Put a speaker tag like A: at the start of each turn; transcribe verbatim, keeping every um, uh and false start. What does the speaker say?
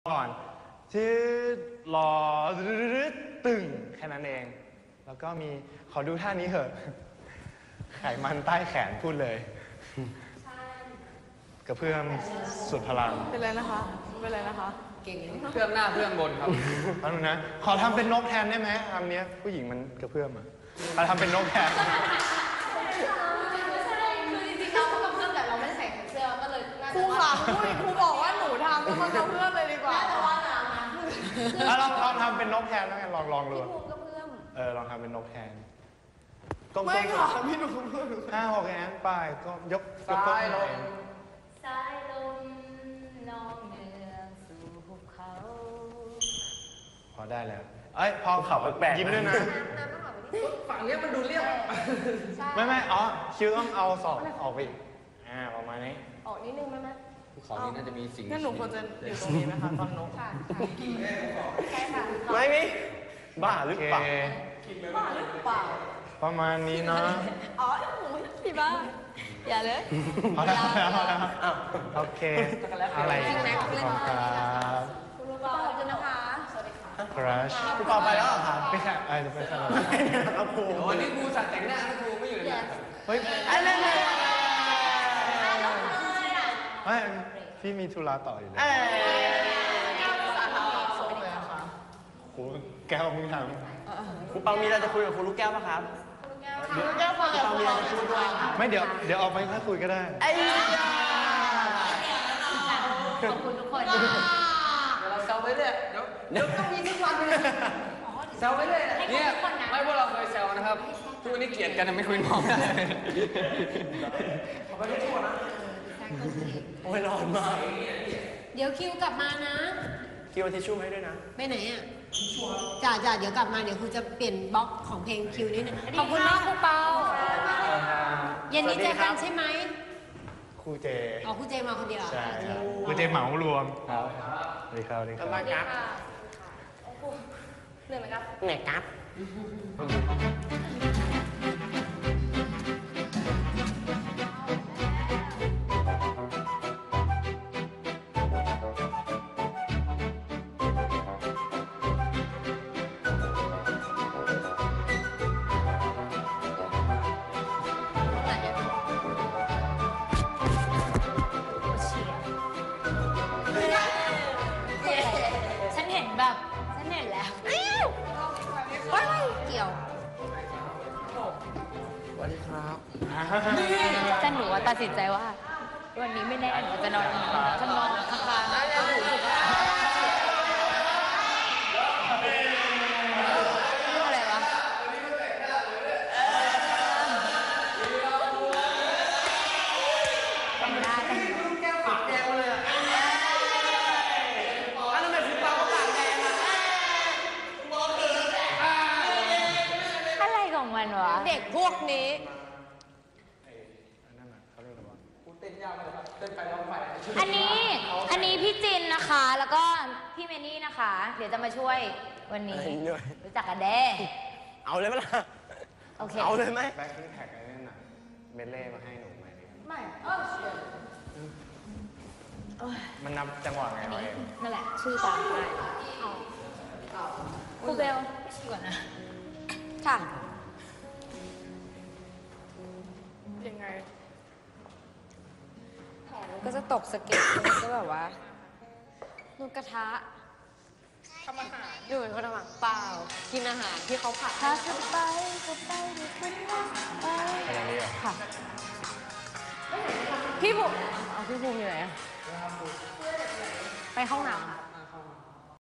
A: ก่อนชื่อรอตึงแค่นั้นเองแล้วก็มีขอดูท่านี้เหอะไขมันใต้แขนพูดเลยกระเพื่อมสุดพลัง
B: เป็นไรนะคะเป็นไรนะคะ
C: เก่งเพื่อมหน้าเพื่อมบนครับ
A: เอาดูนะขอทำเป็นนกแทนได้ไหมคำนี้ผู้หญิงมันกระเพื่อมอ่ะเราทำเป็นนกแทน
B: ครูขาครูครูบอกว่าหนูทำแล้วมันกระเพื่อมเลยดีกว่า
A: ลองลองทำเป็นนกแทนแล้วกันลองลองดูเออลองทำเป็นนกแทน
B: ไม่ค่ะพี่หนูเพื่อน
A: ห้าหกแอนไปก็ยกยก
C: ซ้ายลง
D: สายลมน้องเนืองสู่ภูเขา
A: พอได้แล้วเอ้ยพอเขาแปลกๆยิ้มด้วยนะ
C: ฝั่งนี้มันดูเรียบ
A: ไม่ไม่อ๋อคิวต้องเอาสอบออกไปอ่าประมาณนี้
D: ออกนิดนึงไหมแม่
C: ภูเขานี้น่าจะมีสิ่ง
B: งั้นหนูควรจะอยู่ตรงนี้ไหมคะตอนนก
D: ค่ะใช่ค่ะ
A: ไม่มีบ้าหรือเปล่า
B: บ้าหรือเปล่า
A: ประมาณนี้เนาะ
B: อ๋อหนูพี่บ้าอย่าเลย
A: พอแล้วพอแล้วพอแล้วโอเคอะไรของครับ
B: คุณรู้เปล่าจะนะคะสวัสดีค่ะ
A: ครัชพี่ปอไปแล้วครับไม่ใช่ไอ้จะไปสลับครับครู
C: วันนี้ครูสั่งแต่งหน้าครูไม่อยู่เลย
A: เฮ้ยอะไรเนี่ยไม่พี่มีธุระต่ออยู่เลยครูแก้วมึงทำ
C: ครูเปามีอะไรจะคุยกับครูลูกแก้วป่ะครับ
B: ครูแก้วฟังกับครูเปาจะคุยด้วย
A: ไม่เดี๋ยวเดี๋ยวออกไปค่อยคุยก็ได้
D: ขอบคุณทุกคน
C: เดี๋ยวเราแซวไปเลยเดี๋ยวเดี๋ยวต้องมีทุกวันเลยแซวไปเลยเนี่ยไม่พวกเราเคยแซวนะครับทุกวันนี้เกลียดกันไม่คุยมองได้ขอบคุณทุกคนนะโอ้ยร้อนมาก
D: เดี๋ยวคิวกลับมานะ
C: คิวทิชชู่ให้ด้วยนะ
D: ไปไหนอ่ะจ่าจ่าเดี๋ยวกลับมาเดี๋ยวครูจะเปลี่ยนบล็อกของเพลงคิวนิดนึงขอบคุณมากครูเปาเย็นนี้เจอกันใช่ไหม
A: ครูเจ
D: อ๋อครูเจมาคนเดียว
A: ใช่ครับครูเจเหมารวมครับสวัสดีครับสวัสดีครับ
D: สวัสดีครับเหนื่อยไหมครับ
C: เหนื่อยครับ
D: แบบฉันเห็นแล้วเกี่ยว
C: สวัสดีครับ
D: แต่หนูตัดสินใจว่าวันนี้ไม่แน่หนูจะนอนฉันนอนข้างๆแล้วหนูรู้สึกอะไรวะแต่งได้แต่งมันวะเด็กพวกนี้อันนี้อันนี้พี่จินนะคะแล้วก็พี่เมนี่นะคะเดี๋ยวจะมาช่วยวันนี้รู้จักกันเด้
C: เอาเลยไหมล่ะ
D: โอเค
C: เอาเลยไหม
A: แบ็คแท็กอะไรนั่นน่ะเมเล่มาให้หนูไหม
D: ไม่เออ
A: มันนับจังหวะไงเราเอง
D: นั่นแหละชื่อตามไปครูเบลก่อนนะค่ะ
B: ยังไง
D: แผลก็จะตกสะเก็ดมันก็แบบว่านูกระทะ
B: ทำอาหาร
D: ดูเหมือนคนทำอาหารเปล่ากินอาหารที่เขาผัดถ้าจะไปจะไปหรือคุณไปค่ะพี่ภูมิเอาพี่ภูมิอยู่ไหนไปห้องน้ำ